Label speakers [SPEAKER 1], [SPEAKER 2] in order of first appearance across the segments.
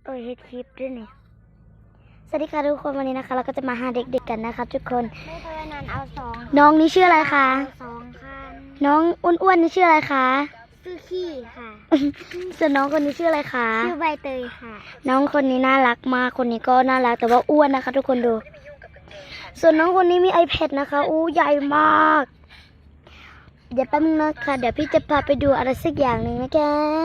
[SPEAKER 1] เฮ็ดคลิปด้วยนี่สวัสดีค่ะทุกคนวันนี้นะคะเราก็จะมาหาเด็กๆกันนะคะทุกคน
[SPEAKER 2] ไม่เคยนานเอา2
[SPEAKER 1] น้องนี่ชื่ออะไรคะ
[SPEAKER 2] 2คัน
[SPEAKER 1] น้องอ้วนๆนี่ชื่ออะไรคะ
[SPEAKER 2] ชื่อขี้ค่ะ
[SPEAKER 1] ส่วนน้องคนนี้ชื่ออะไรคะ
[SPEAKER 2] ชื่อใบเตยค่ะ
[SPEAKER 1] น้องคนนี้น่ารักมากคนนี้ก็น่ารักแต่ว่าอ้วนนะคะ ทุกคนดู ส่วนน้องคนนี้มี iPad นะคะอู้ใหญ่มากเดี๋ยวแป๊บนึงนะคะเดี๋ยวพี่จะพาไปดูอะไรสักอย่างหนึ่งนะแก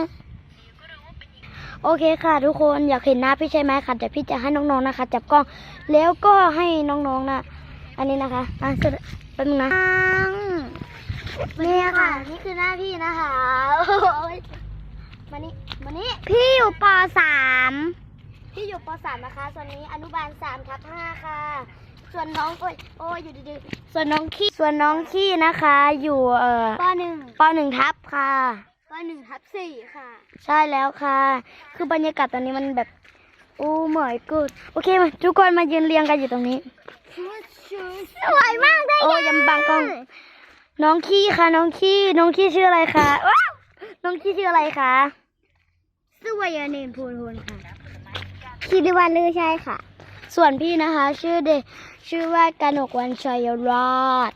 [SPEAKER 1] โอเคค่ะทุกคนอยากเห็นหน้าพี่ใช่ไหมคะเดี๋ยวพี่จะให้น้องๆนะคะจับกล้องแล้วก็ให้น้องๆนะอันนี้นะคะแป๊บนึงนะนี่ค่ะนี่คือหน้าพี่นะคะมานี่พี่อยู่ป .3 พี่อยู่ป .3 นะคะส่วนนี้อนุบาล3/5ค่ะส่วนน้องโอ้ยอยู่ดีๆส่วนน้องขี้นะคะอยู่ป .1 ทับค่ะ
[SPEAKER 2] ป1/4ค่ะ
[SPEAKER 1] ใช่แล้วค่ะคือบรรยากาศตอนนี้มันแบบโอ้เหมยกูดโอเคมาทุกคนมายืนเรียงกันอยู่ตรงนี้
[SPEAKER 2] สวยมากเลย
[SPEAKER 1] โอ้ยำบังกล้องน้องขี้ค่ะน้องขี้ชื่ออะไรคะว้าวน้องขี้ชื่ออะไรคะ
[SPEAKER 2] ชื่อวายเนมพูนค่ะคิดว่าลือใช่ค่ะ
[SPEAKER 1] ส่วนพี่นะคะชื่อว่ากนกวันชัยรอด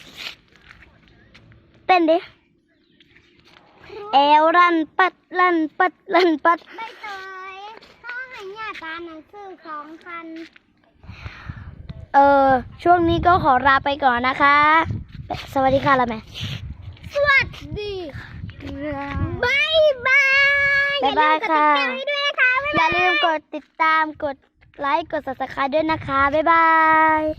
[SPEAKER 1] เต้นดิเอวรันปัดใบเตย
[SPEAKER 2] ต้องให้ญาติหนังสือ2 คัน
[SPEAKER 1] ช่วงนี้ก็ขอลาไปก่อนนะคะสวัสดีค่ะละแม่
[SPEAKER 2] สวัสดีบายบาย
[SPEAKER 1] ค่ะอย่าลืมกดติดตามกดไลค์กด Subscribe ด้วยนะคะบ๊ายบาย